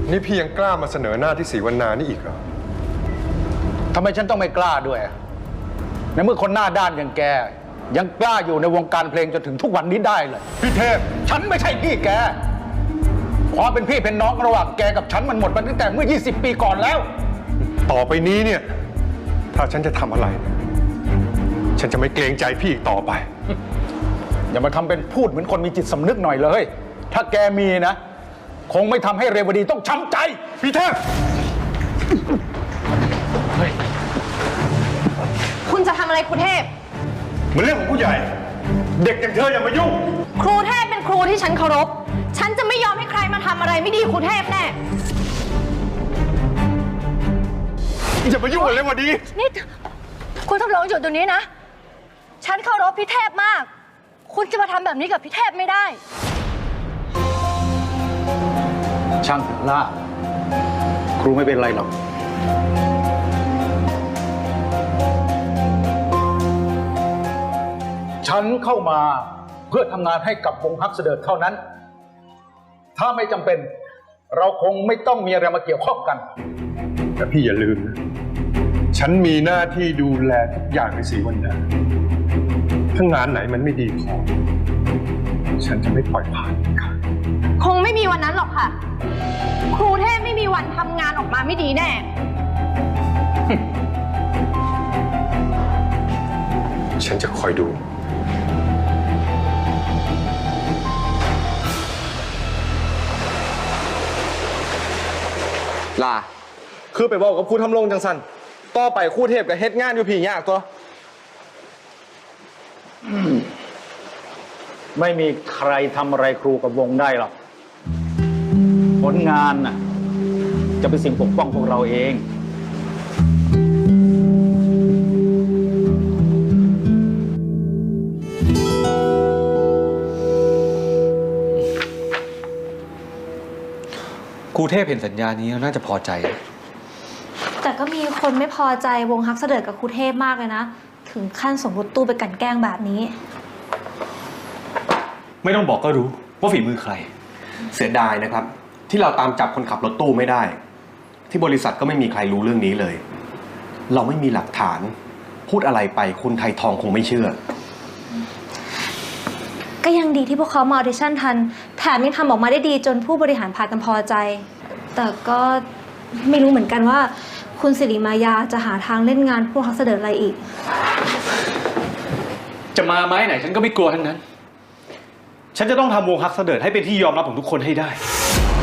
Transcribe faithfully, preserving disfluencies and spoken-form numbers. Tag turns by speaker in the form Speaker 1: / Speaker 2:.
Speaker 1: นี่พี่ยังกล้ามาเสนอหน้าที่ศรีวรรณานี่อีกเหรอ
Speaker 2: ทำไมฉันต้องไม่กล้าด้วยในเมื่อคนหน้าด้านอย่างแกยังกล้าอยู่ในวงการเพลงจนถึงทุกวันนี้ได้เลยพี่เทพฉันไม่ใช่พี่แกความเป็นพี่เป็นน้องระหว่างแกกับฉันมันหมดไปตั้งแต่เมื่อยี่สิบปีก่อนแล้ว
Speaker 1: ต่อไปนี้เนี่ยถ้าฉันจะทำอะไรฉันจะไม่เกรงใจพี่อีกต่อไป
Speaker 2: อย่ามาทำเป็นพูดเหมือนคนมีจิตสำนึกหน่อยเลยถ้าแกมีนะคงไม่ทำให้เรวดีต้องช้ำใจ
Speaker 1: พี่เทพเฮ้ย
Speaker 3: คุณจะทำอะไรครูเทพ
Speaker 1: มันเรื่องของผู้ใหญ่เด็กอย่างเธออย่ามายุ่ง
Speaker 3: ครูเทพเป็นครูที่ฉันเคารพฉันจะไม่ยอมให้ใครมาทำอะไรไม่ดีครูเทพแน่
Speaker 1: อย่ามายุ่งกับเรวดี
Speaker 3: นี่คุณทำลองหยุดตรงนี้นะฉันเคารพพี่เทพมากคุณจะมาทำแบบนี้กับพี่เทพไม่ได้
Speaker 2: ช่างเถอะล่าครูไม่เป็นไรหรอกฉันเข้ามาเพื่อทำงานให้กับวงฮักเสดิร์ดเท่านั้นถ้าไม่จำเป็นเราคงไม่ต้องมีอะไรมาเกี่ยวข้องกัน
Speaker 1: แต่พี่อย่าลืมนะฉันมีหน้าที่ดูแลทุกอย่างในศรีวรรณาถ้างานไหนมันไม่ดีพอฉันจะไม่ปล่อยผ่านค่ะ
Speaker 3: คงไม่มีวันนั้นหรอกค่ะครูเทพไม่มีวันทำงานออกมาไม่ดีแน่
Speaker 1: ฉันจะคอยดู
Speaker 4: ลาคือไปบอกกับครูทำลงจังสันต่อไปครูเทพกับเฮ็ดงานอยู่ผียากตัว
Speaker 2: ไม่มีใครทำอะไรครูกับวงได้หรอกผลงานน่ะจะเป็นสิ่งปกป้องพวกเราเอง
Speaker 5: ครูเทพเห็นสัญญานี้น่าจะพอใจ
Speaker 6: แต่ก็มีคนไม่พอใจวงฮักเสดิร์ดกับครูเทพมากเลยนะถึงขั้นส่งรถตู้ไปกลั่นแกล้งแบบนี้
Speaker 5: ไม่ต้องบอกก็รู้ว่าฝีมือใคร
Speaker 7: เสียดายนะครับที่เราตามจับคนขับรถตู้ไม่ได้ที่บริษัทก็ไม่มีใครรู้เรื่องนี้เลยเราไม่มีหลักฐานพูดอะไรไปคุณไทยทองคงไม่เชื่อ
Speaker 6: ก็ยังดีที่พวกเขามาออดิชั่นทันแถมยังทำออกมาได้ดีจนผู้บริหารพากันพอใจแต่ก็ไม่รู้เหมือนกันว่าคุณสิริมายาจะหาทางเล่นงานพวกฮักเสดิร์ดอะไรอีก
Speaker 5: จะมาไม้ไหนฉันก็ไม่กลัวทั้งนั้นฉันจะต้องทำวงฮักเสดิร์ดให้เป็นที่ยอมรับของทุกคนให้ได้